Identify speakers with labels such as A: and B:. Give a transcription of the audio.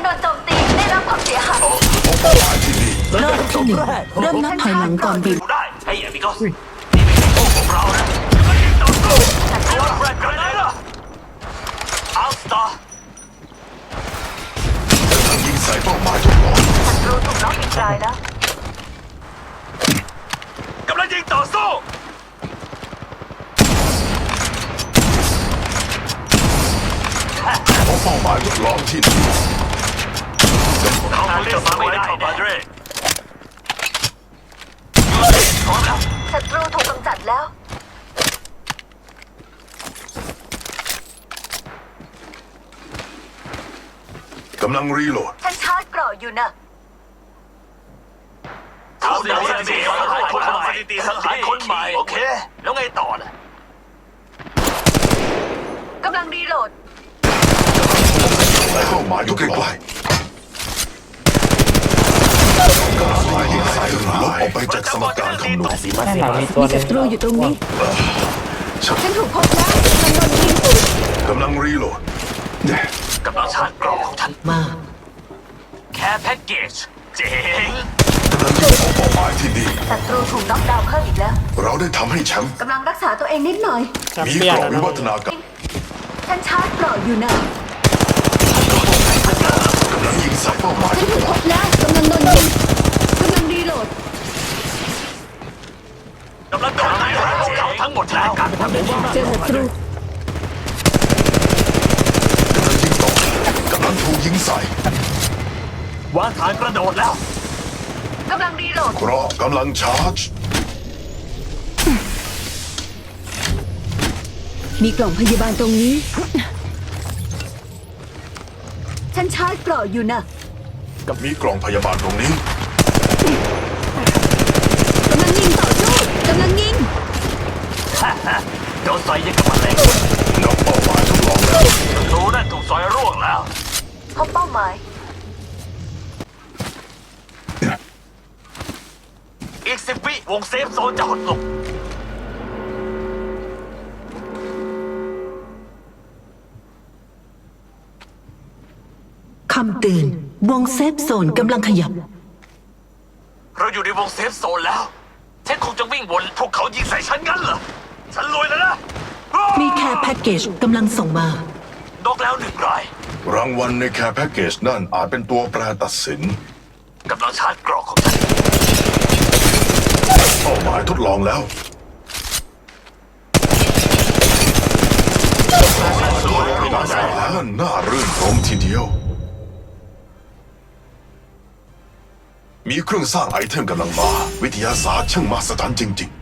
A: นโจมตีได้รับความเสียหาย
B: เป้าหมายที่นี่
C: รอบที่หนึ่งเริ่มนับถอยหลังก่อนบีบ
D: ได้ไอ้เอมิโกสนี่ไม่ใช่โลกของเรานะมันยิงต่อสู้ระวังแรดกันนะอัลสตาร์
B: ยิงใส่เป้าหมายทดลอง
A: ศัตรูถูกน็อกอีกรายแล้ว
D: กำลังยิงต่อสู้
B: เพราะเป้าหมายทดลองที่นี่
D: เขาเล่นมาไม่ได้แน่พร้อมแล้ว
A: ศัตรูถูกกำจัดแล้ว
B: กำลังรีโหลด
A: ฉันชาร์จเกราะอยู่นะ
D: เขาเสียสถิติสังหารคนใหม่สถิติสังหารคนใหม่โอเค แล้วไงต่อน่ะ
A: กำลังรีโหลด
B: เป้าหมายอยู่ใกล้ๆการหมายยิงใส่ลบออกไปจากสมการคำนวณ
E: ด้านหลังมีตัวหนึ
C: ศั
E: ง
C: ตรูอยู่ตรงนี้
A: ฉันถูกพบแล้วกำลังโดนยิง
B: กำลังรีโหลดเนี่ย
D: กำลังชาร์จกรอบของฉัน
C: มา
D: แค่แพ็กเกจเจ๋ง
B: กำลังยิงเข้าเป้าหมายที่นี่
A: ศัตรูถูกน็อกดาวน์เพิ่มอีกแล้ว
B: เราได้ทำให้แชมป์
A: กำลังรักษาตัวเองนิดหน่อย
E: แชม
B: มี
E: เปี้ย
B: ก
E: น
B: รอบ
E: แล้ว
B: วิ
E: นะ
B: วัฒนาการ
A: ฉันชาร์จเกราะอยู่นะ
B: กำลังยิงใส่เป้าหมาย
A: ฉั
B: ท
A: น
B: ด
A: ถูก
B: ล
A: พ
B: อง
A: บแล้วกำลังโดนยิงกำลังรีโหลด
D: กำลังโดนไล่พวกเขาทั้งหมดแล้วกัน
C: เจอศัตรู
B: กำลังถูกยิงใส่
D: วางฐานกระโดดแล้ว
A: กำลังรีโหลด
B: เกราะกำลังชาร์จ
C: มีกล่องพยาบาลตรงนี้
A: ฉันชาร์จเกราะอยู่นะ
B: กับมีกล่องพยาบาลตรงนี้
A: กำลังยิงต่อสู้กำลังยิง
D: โดนใส่ยังกับแมลง
B: นอกเป้าหมายทดลองแล้ว
D: รู้นั่นถูกซอยร่วงแล้ว
A: พบเป้าหมาย
D: อีก10 วิวงเซฟโซนจะหดลง
C: คำเตือนวงเซฟโซนกำลังขยับ
D: เราอยู่ในวงเซฟโซนแล้วฉันคงจะวิ่งวนพวกเขายิงใส่ฉันงั้นเหรอ ฉันรวยแล้วนะ
C: มีแคร์แพ็กเกจกำลังส่งมา
D: นกแล้ว1 ราย
B: รางวัลในแคร์แพ็กเกจนั่นอาจเป็นตัวแปรตัดสิน
D: กำลังชาร์จกรอกของฉัน
B: เป้าหมายทดลองแล้ว การสังหารนั่นน่ารื่นรมทีเดียว มีเครื่องสร้างไอเทมกำลังมา วิทยาศาสตร์ช่างมหัศจรรย์จริงๆ